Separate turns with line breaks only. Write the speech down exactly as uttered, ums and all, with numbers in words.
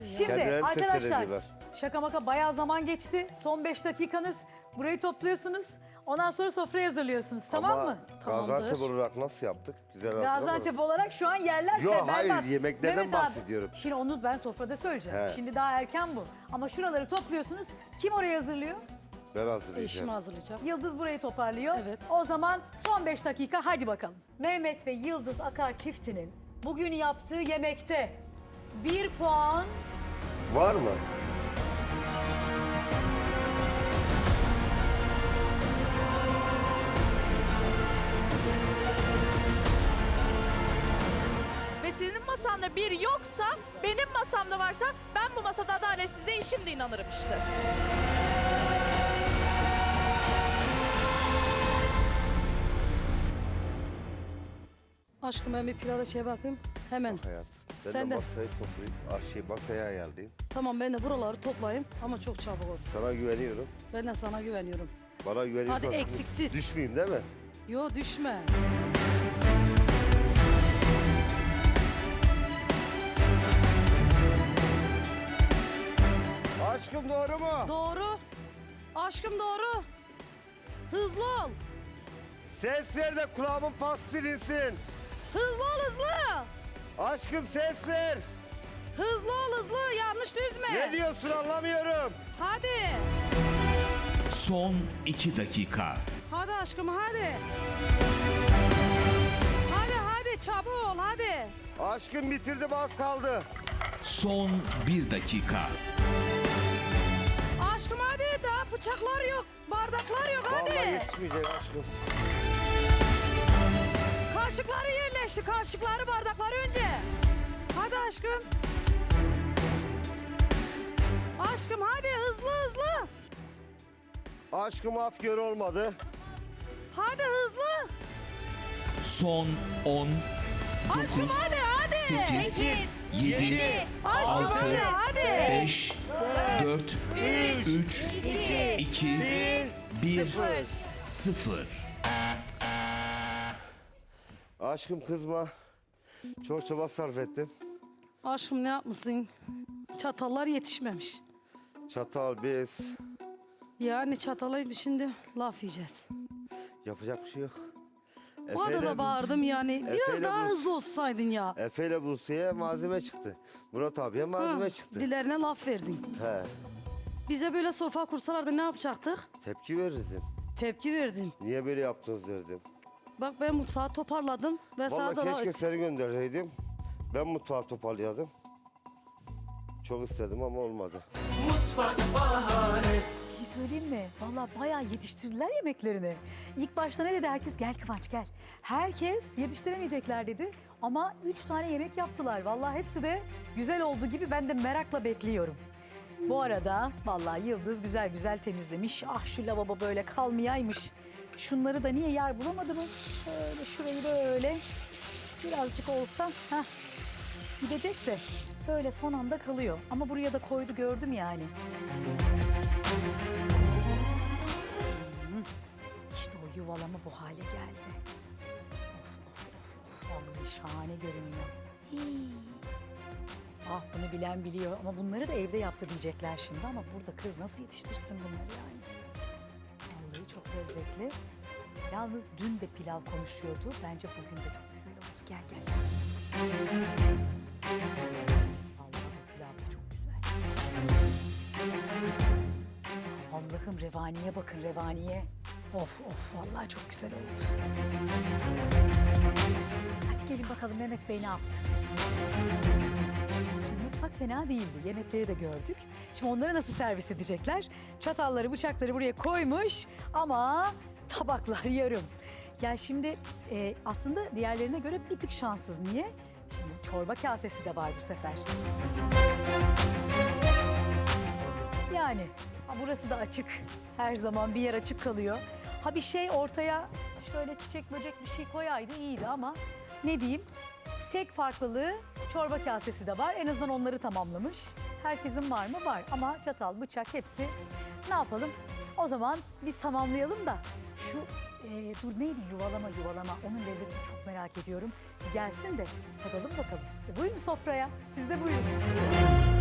Şimdi
Kendilerini
arkadaşlar
teselli ediyorlar.
şaka maka bayağı zaman geçti. Son beş dakikanız. Burayı topluyorsunuz. Ondan sonra sofrayı hazırlıyorsunuz. Tamam
Ama
mı?
Gaziantep olarak nasıl yaptık? Güzel
Gaziantep olarak şu an yerler
Yok,
berbat.
hayır, yemeklerden
Mehmet abi,
bahsediyorum.
Şimdi onu ben sofrada söyleyeceğim.
He.
Şimdi daha erken bu. Ama şuraları topluyorsunuz. Kim orayı hazırlıyor?
Ben hazırlayacağım.
Eşim hazırlayacak.
Yıldız burayı toparlıyor.
Evet.
O zaman son beş dakika hadi bakalım. Mehmet ve Yıldız Akar çiftinin bugün yaptığı yemekte bir puan,
Var mı?
Ve senin masanda bir yoksa, benim masamda varsa ben bu masada adaletsizliğe şimdi inanırım işte.
Aşkım ben bir pilava şey bakayım. Hemen.
Hayat. Ben
Sen
de
de.
masayı toplayayım. Ah, şey, masaya ayarlayayım.
Tamam ben de buraları toplayayım ama çok çabuk ol.
Sana güveniyorum.
Ben de sana güveniyorum.
Bana güveniyorsan
Hadi
sıkıntı-
eksiksiz.
Düşmeyeyim değil mi?
Yo düşme.
Aşkım doğru mu?
Doğru. Aşkım doğru. Hızlı ol.
Ses ver de kulağımın pas silinsin.
Hızlı ol hızlı.
Aşkım ses ver.
Hızlı ol hızlı. Yanlış düzme.
Ne diyorsun anlamıyorum.
Hadi.
Son iki dakika.
Hadi aşkım hadi. Hadi hadi çabuk ol hadi.
Aşkım bitirdim, az kaldı.
Son bir dakika.
Aşkım hadi daha bıçaklar yok. Bardaklar yok hadi.
Vallahi yetişmeyecek aşkım.
Kaşıkları yerleşti. Kaşıkları bardakları önce. Hadi aşkım. Aşkım hadi hızlı hızlı.
Aşkım af gör olmadı.
Hadi hızlı.
Son on,
Aşkım
dokuz,
hadi hadi.
sekiz, yedi,
Aşkım
altı,
hadi hadi.
beş, dört, üç, iki, bir, sıfır.
Aşkım kızma. Çok çaba sarf ettim.
Aşkım ne yapmışsın? Çatallar yetişmemiş.
Çatal, bez.
Yani çatala şimdi laf yiyeceğiz.
Yapacak bir şey yok.
Bu arada da bağırdım yani. Biraz
Efe'yle
daha
bu-
hızlı olsaydın ya.
Efe ile Buse'ye malzeme çıktı. Murat abiye malzeme
Ha,
çıktı.
Dilerine laf verdin.
He,
Bize böyle sofra kursalardı ne yapacaktık?
tepki verirdim.
Tepki verdin.
Niye böyle yaptınız derdim.
Bak ben mutfağı toparladım ve sana
Vallahi
da
keşke seni gönderseydim. Ben mutfağı toparlayadım. Çok istedim ama olmadı.
bir şey söyleyeyim mi? Vallahi bayağı yetiştirdiler yemeklerini. İlk başta ne dedi herkes? Gel Kıvanç gel. Herkes yetiştiremeyecekler dedi. Ama üç tane yemek yaptılar. Vallahi hepsi de güzel olduğu gibi ben de merakla bekliyorum. Bu arada vallahi Yıldız güzel güzel temizlemiş. Ah şu lavabo böyle kalmayaymış. Şunları da niye yer bulamadı mı? Şöyle şurayı böyle birazcık olsa heh, gidecek de böyle son anda kalıyor. Ama buraya da koydu gördüm yani. Hmm, İşte o yuvalama bu hale geldi. Of of of of vallahi şahane görünüyor. Hii. Ah bunu bilen biliyor ama bunları da evde yaptı diyecekler şimdi ama burada kız nasıl yetiştirsin bunları yani. Vallahi çok lezzetli. Yalnız dün de pilav konuşuyordu. Bence bugün de çok güzel oldu. Gel gel gel. Vallahi bu pilav da çok güzel. Allah'ım revaniye bakın revaniye. Of of vallahi çok güzel oldu. Hadi gelin bakalım Mehmet Bey ne yaptı? Şimdi mutfak fena değildi. Yemekleri de gördük. Şimdi onları nasıl servis edecekler? Çatalları, bıçakları buraya koymuş ama tabaklar yarım. Ya şimdi e, aslında diğerlerine göre bir tık şanssız. Niye? Şimdi çorba kasesi de var bu sefer. Yani ha, burası da açık. Her zaman bir yer açık kalıyor. Ha bir şey ortaya şöyle çiçek böcek bir şey koyaydı iyiydi ama ne diyeyim? Tek farklılığı çorba kasesi de var. En azından onları tamamlamış. Herkesin var mı? Var. Ama çatal, bıçak hepsi. Ne yapalım? O zaman biz tamamlayalım da şu e, dur neydi yuvalama yuvalama onun lezzetini çok merak ediyorum. Bir gelsin de bir tadalım bakalım. E, buyurun sofraya. Siz de buyurun.